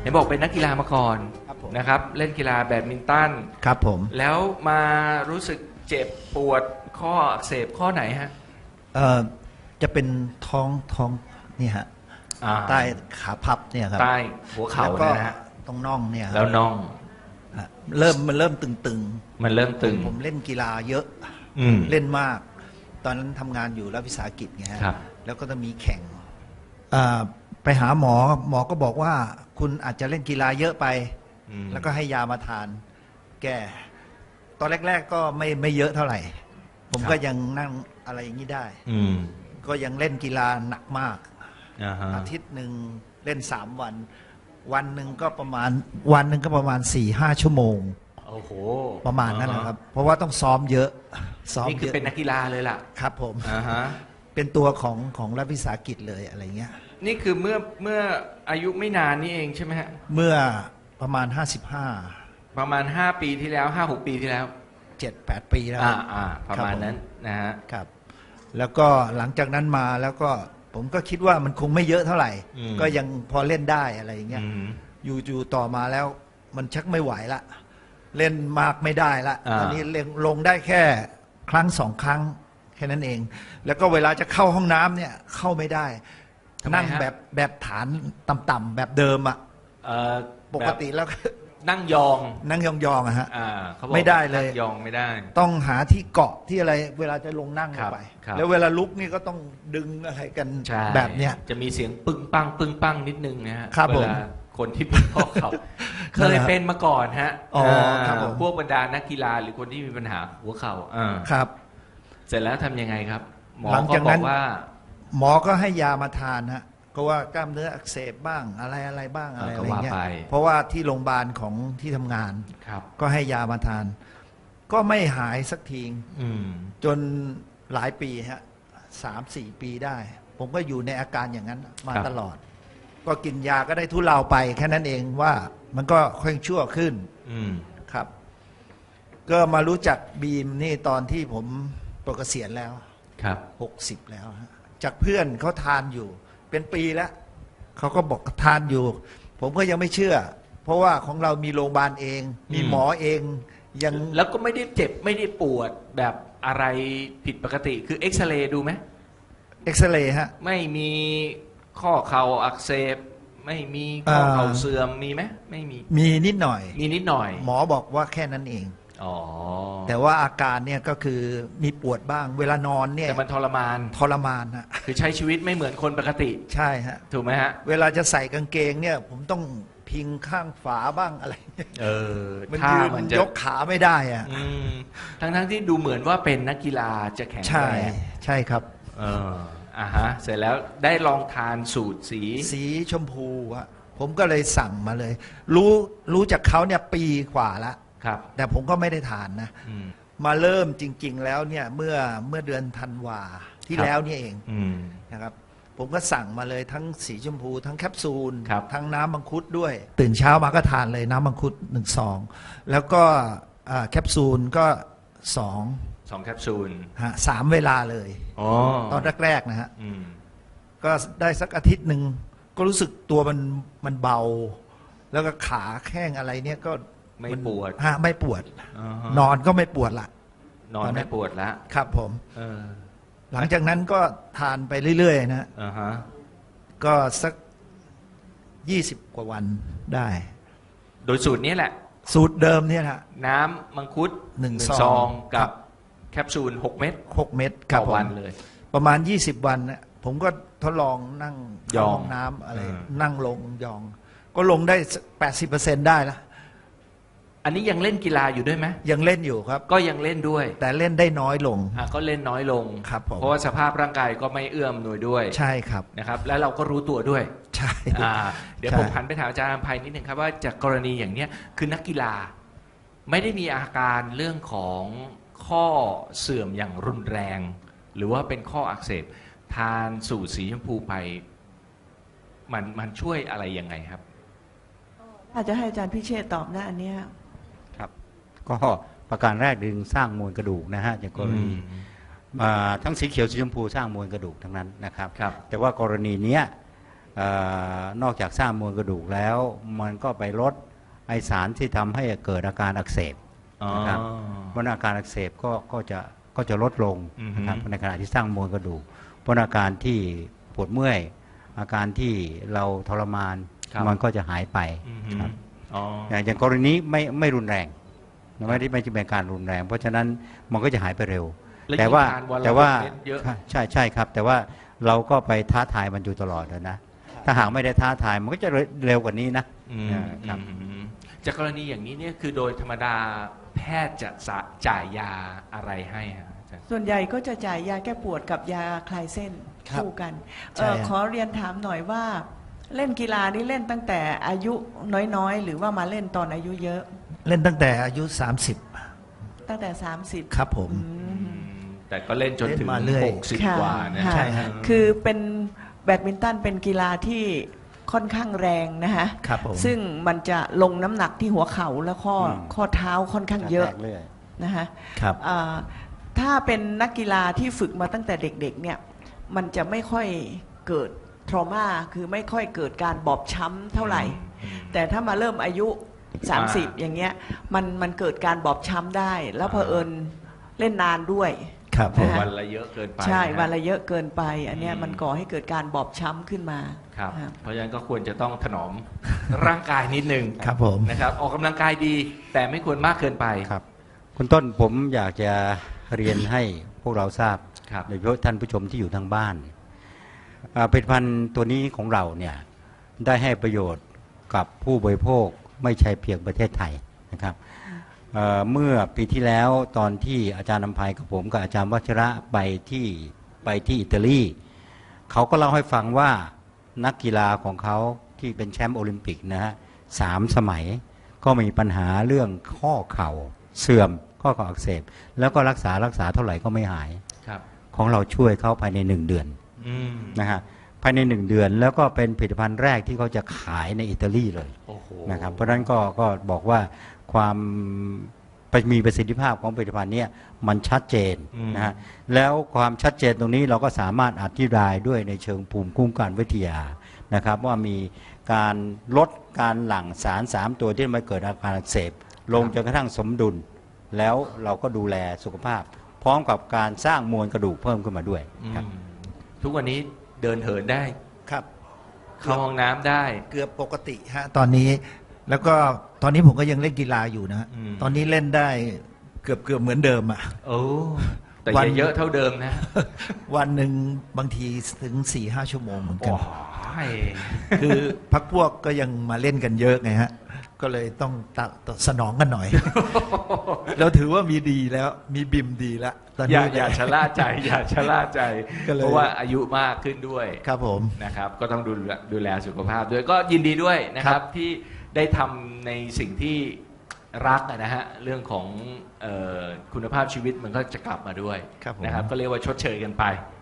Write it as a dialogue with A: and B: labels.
A: นบอกเป็นนักกีฬามาก่อน
B: ครับผม
A: นะครับเล่นกีฬาแบดมินตัน
B: ครับผม
A: แล้วมารู้สึกเจ็บปวดข้ออักเสบข้อไหนฮะ
B: จะเป็นท้องนี่ฮะ
A: อ่า
B: ใต้ขาพับเนี่ยครับ
A: ใต้หัวเข่า
B: แล้วก็
A: นะฮะ
B: ตรงน่องเนี่ยครับ
A: แล้วน่อง
B: ฮะมันเริ่มตึง
A: มันเริ่มตึง
B: ผมเล่นกีฬาเยอะ
A: อืม
B: เล่นมาก ตอนนั้นทำงานอยู่รัฐวิสาหกิจไงฮะ
A: ครับ
B: แล้วก็จะมีแข่งไปหาหมอก็บอกว่าคุณอาจจะเล่นกีฬาเยอะไป
A: อืม
B: แล้วก็ให้ยามาทาน แก้ตอนแรก ๆ ก็ไม่เยอะเท่าไหร่ ผมก็ยังนั่งอะไรอย่างนี้ได้
A: อืม
B: ก็ยังเล่นกีฬาหนักมาก
A: อ่าฮะ
B: อาทิตย์หนึ่งเล่น3 วัน วันหนึ่งก็ประมาณ4-5 ชั่วโมง
A: โอ้โห
B: ประมาณนั้นนะครับ เพราะว่าต้องซ้อมเยอะซ้อม
A: นี่คื
B: เย
A: อ
B: อะ
A: เป็นนักกีฬาเลยล่ะ
B: ครับผม
A: อ่าฮะ
B: เป็นตัวของรัฐวิสาหกิจเลยอะไรเงี้ย
A: นี่คือเมื่ออายุไม่นานนี่เองใช่ไหมฮะ
B: เมื่อประมาณ
A: ประมาณ5 ปีที่แล้ว5-6 ปีที่แล้ว
B: 7-8 ปีแล้ว
A: ประมาณนั้นนะฮะ
B: ครับ แล้วก็หลังจากนั้นมาแล้วก็ผมก็คิดว่ามันคงไม่เยอะเท่าไหร่
A: อืม
B: ก็ยังพอเล่นได้อะไรอย่างเงี้ย
A: อืม
B: อยู่ต่อมาแล้วมันชักไม่ไหวละ เล่นมากไม่ได้ละ
A: อ่า
B: ตอนนี้ลงได้แค่ครั้ง2 ครั้งแค่นั้นเอง แล้วก็เวลาจะเข้าห้องน้ำเนี่ยเข้าไม่ได้
A: ทำไมฮะ
B: นั่งแบบฐานต่ำๆแบบเดิมอะ
A: เอ่อ
B: ปกติแล้ว
A: นั่งยอง
B: นั่งยองๆอะฮะ
A: เขาบอก
B: ไม่ได้เลย
A: นั่งยองไม่ได้
B: ต้องหาที่เกาะที่อะไร เวลาจะลงนั่งล
A: ครั
B: ง
A: บ
B: ไป
A: ครับ
B: แล้วเวลาลุกนี่ก็ต้องดึงอะไรกัน
A: ใช่
B: แบบเนี้ย
A: จะมีเสียงปึ้งปังปึ้งปังนิดนึงนะฮะ
B: ครับ
A: เวลาคนที่เป็นข้อเข่าเค
B: นั่นแห
A: ย
B: ละ
A: เป็นมาก่อนฮะ
B: อ๋อครับผม
A: พวกบรรดานักกีฬาหรือคนที่มีปัญหาหัวเข่า
B: ครับ
A: เสร็จแล้วทำยังไงครับ หมอ
B: หลัง
A: ก็
B: จาก
A: บ
B: นั้
A: อน กว่า
B: หมอก็ให้ยามาทานฮะก็ว่ากล้ามเนื้ออักเสบบ้างอะไรบ้างอะไร
A: ก็
B: อะไร
A: ว่า
B: เงี้ย
A: ไป
B: เพราะว่าที่โรงพยาบาลของที่ทำงาน
A: ครับ
B: ก็ให้ยามาทาน ก็ไม่หายสักที
A: อืม
B: จนหลายปีฮะ3-4 ปีได้ ผมก็อยู่ในอาการอย่างนั้นมาตลอด ก็กินยาก็ได้ทุเลาไปแค่นั้นเองว่ามันก็ค่อยชั่วขึ้น
A: อืม
B: ครับ ก็มารู้จักบีมนี่ตอนที่ผมปลดเกษียณแล้ว
A: ครับ
B: 60 แล้วฮะจากเพื่อนเขาทานอยู่ เป็นปีแล้วเขาก็บอกทานอยู่ ผมก็ยังไม่เชื่อ เพราะว่าของเรามีโรงพยาบาลเอง มีหมอเองยัง
A: แล้วก็ไม่ได้เจ็บไม่ได้ปวดแบบอะไรผิดปกติคือเอ็กซเรย์ดูไหม
B: เอ็กซเรย์ฮะ
A: ไม่มีข้อเข่าอักเสบ ไม่มีข้อเข่าเสื่อมมีไหมไม่มี
B: มีนิดหน่อย
A: มีนิดหน่อย
B: หมอบอกว่าแค่นั้นเอง
A: อ๋อ
B: แต่ว่าอาการเนี่ยก็คือมีปวดบ้าง เวลานอนเนี่ย
A: แต่มันทรมาน
B: ทรมานฮะ
A: คือใช้ชีวิตไม่เหมือนคนปกติ
B: ใช่ฮะ
A: ถูกไหมฮะ
B: เวลาจะใส่กางเกงเนี่ย ผมต้องพิงข้างฝาบ้างอะไร
A: เออ
B: มัน
A: ถ้า
B: ยืน
A: มันจะ
B: ยกขาไม่ได้อะ
A: อืมทั้งที่ดูเหมือนว่าเป็นนักกีฬาจะแข็ง
B: ใช่
A: แรง
B: ใช่ครับ
A: เออฮะ เสร็จแล้วได้ลองทานสูตรสี
B: สีชมพูอะผมก็เลยสั่งมาเลย รู้จากเขาเนี่ยปีกว่าละ
A: ครับ
B: แต่ผมก็ไม่ได้ทานนะ
A: อืม
B: มาเริ่มจริง ๆ แล้วเนี่ยเมื่อเดือนธันวาที่
A: ครับ
B: แล้วเนี่ยเอง
A: อืม
B: นะครับ ผมก็สั่งมาเลยทั้งสีชมพู ทั้งแคปซูล
A: ครับ
B: ทั้งน้ำมังคุดด้วย ตื่นเช้ามาก็ทานเลยน้ำมังคุด1 ซองแล้วก็แคปซูลก็2
A: 2 แคปซูล
B: 3 เวลาเลย
A: อ๋อ
B: ตอนแรกๆนะฮะ
A: อืม
B: ก็ได้สักอาทิตย์หนึ่งก็รู้สึกตัวมันเบา แล้วก็ขาแข้งอะไรเนี่ยก็
A: ไม่ปวด
B: ไม่ปวด
A: อ่าฮะ
B: นอนก็ไม่ปวดละ
A: นอนไม่ปวดละ
B: ครับผม
A: เออ
B: หลังจากนั้นก็ทานไปเรื่อยๆนะ
A: อ่าฮะ
B: ก็สัก20 กว่าวันได้
A: โดยสูตรนี้แหละ
B: สูตรเดิมเนี่ยนะ
A: น้ำมังคุด
B: หนึ่ง
A: ซ
B: ซ
A: อ
B: อง ง
A: กั
B: ครับ บ
A: แคปซูล6 เม็ด
B: 6 เม็ดค
A: ต่
B: รับ
A: อ
B: ผม
A: วันเลย
B: ประมาณ20 วันนะผมก็ทดลองนั่ง
A: ยอง
B: เข้าห้องน้ำอะไร
A: อืม
B: นั่งลงยอง ก็ลงได้ 80%ได้ละ
A: อันนี้ยังเล่นกีฬาอยู่ด้วยไหม
B: ยังเล่นอยู่ครับ
A: ก็ยังเล่นด้วย
B: แต่เล่นได้น้อยลง
A: ก็เล่นน้อยลง
B: ครับผม
A: เพราะว่าสภาพร่างกายก็ไม่เอื้อมหน่วยด้วย
B: ใช่ครับ
A: นะครับ แล้วเราก็รู้ตัวด้วย
B: ใช่
A: เดี๋ยว
B: ใช่
A: ผมหันไปถามอาจารย์อภัยนิดนึงครับว่าจากกรณีอย่างเนี้ยคือนักกีฬาไม่ได้มีอาการเรื่องของข้อเสื่อมอย่างรุนแรง หรือว่าเป็นข้ออักเสบทานสูตรสีชมพูไปมันช่วยอะไรยังไงครับ
C: อาจจะให้อาจารย์พิเชษฐ์ตอบนะอันเนี้ย
D: ครับก็ประการแรกดึงสร้างมวลกระดูกนะฮะจากกรณีทั้งสีเขียวสีชมพูสร้างมวลกระดูกทั้งนั้นนะครับ
A: ครับ
D: แต่ว่ากรณีเนี้ยนอกจากสร้างมวลกระดูกแล้วมันก็ไปลดไอสารที่ทำให้เกิดอาการอักเสบนะครับเพราะอาการอักเสบก็จะลดลงนะครับในขณะที่สร้างมวลกระดูกเพราะอาการที่ปวดเมื่อยอาการที่เราทรมานมันก็จะหายไปครับอย่างกรณีนี้ไม่รุนแรงไม่เป็นการรุนแรงเพราะฉะนั้นมันก็จะหายไปเร็วแต่ว่าใช่ครับแต่ว่าเราก็ไปท้าทายมันอยู่ตลอดนะถ้าหากไม่ได้ท้าทายมันก็จะเร็วกว่านี้นะครับ
A: จากกรณีอย่างนี้เนี่ยคือโดยธรรมดาแพทย์จะจ่ายยาอะไรให้ฮะ
C: ส่วนใหญ่ก็จะจ่ายยาแก้ปวดกับยาคลายเส้นคู่กันขอเรียนถามหน่อยว่าเล่นกีฬานี่เล่นตั้งแต่อายุน้อยๆหรือว่ามาเล่นตอนอายุเยอะ
B: เล่นตั้งแต่อายุ
C: ตั้งแต่30
B: ครับผม
A: แต่ก็เล่นจนถึง60กว่านะ
C: ใช่ฮะคือเป็นแบดมินตันเป็นกีฬาที่ค่อนข้างแรงนะฮะซึ่งมันจะลงน้ำหนักที่หัวเข่าและข้อเท้าค่อนข้างเยอะนะฮะถ้าเป็นนักกีฬาที่ฝึกมาตั้งแต่เด็กๆเนี่ยมันจะไม่ค่อยเกิดทรมาคือไม่ค่อยเกิดการบอบช้ำเท่าไหร่แต่ถ้ามาเริ่มอายุ30อย่างเงี้ยมันเกิดการบอบช้ำได้แล้วเผอิญเล่นนานด้วย
A: วันละเยอะเกินไป
C: ใช่วันละเยอะเกินไปอันเนี้ยมันก่อให้เกิดการบอบช้ำขึ้นมา
A: ครับเพราะฉะนั้นก็ควรจะต้องถนอมร่างกายนิดนึง
B: ครับผม
A: นะครับออกกำลังกายดีแต่ไม่ควรมากเกินไป
D: ครับคุณต้นผมอยากจะเรียนให้พวกเราทราบโดยเฉพาะท่านผู้ชมที่อยู่ทางบ้านผลิตภัณฑ์ตัวนี้ของเราเนี่ยได้ให้ประโยชน์กับผู้บริโภคไม่ใช่เพียงประเทศไทยนะครับเมื่อปีที่แล้วตอนที่อาจารย์นำภัยกับผมกับอาจารย์วัชระไปที่อิตาลีเขาก็เล่าให้ฟังว่านักกีฬาของเขาที่เป็นแชมป์โอลิมปิกนะฮะ3 สมัยก็มีปัญหาเรื่องข้อเข่าเสื่อมข้อเข่าอักเสบแล้วก็รักษาเท่าไหร่ก็ไม่หายของเราช่วยเขาภายใน1 เดือนนะฮะภายใน1 เดือนแล้วก็เป็นผลิตภัณฑ์แรกที่เขาจะขายในอิตาลีเลยนะครับเพราะฉะนั้นก็บอกว่าความมีประสิทธิภาพของผลิตภัณฑ์นี้มันชัดเจนนะฮะแล้วความชัดเจนตรงนี้เราก็สามารถอธิบายด้วยในเชิงภูมิคุ้มกันวิทยานะครับว่ามีการลดการหลั่งสาร3 ตัวที่มาเกิดอาการอักเสบลงจนกระทั่งสมดุลแล้วเราก็ดูแลสุขภาพพร้อมกับการสร้างมวลกระดูกเพิ่มขึ้นมาด้วยครับ
A: ทุกวันนี้เดินเหินได้
B: ครับ
A: เข้าห้องน้ำได้
B: เกือบปกติฮะตอนนี้แล้วก็ตอนนี้ผมก็ยังเล่นกีฬาอยู่นะตอนนี้เล่นได้เกือบเหมือนเดิมอ่ะ
A: โอ้แต่เยอะเท่าเดิมนะ
B: วันหนึ่งบางทีถึง 4-5 ชั่วโมงเหมือนกันคือพักพวกก็ยังมาเล่นกันเยอะไงฮะก็เลยต้องสนองกันหน่อยเราถือว่ามีดีแล้วมีบิมดีแล้ว
A: ตอนนี้อย่าชะล่าใจอย่าชะล่าใจเพราะว่าอายุมากขึ้นด้วย
B: ครับผม
A: นะครับก็ต้องดูแลสุขภาพด้วยก็ยินดีด้วยนะครับที่ได้ทำในสิ่งที่รักนะฮะเรื่องของคุณภาพชีวิตมันก็จะกลับมาด้วยนะครับก็เรียกว่าชดเชยกันไป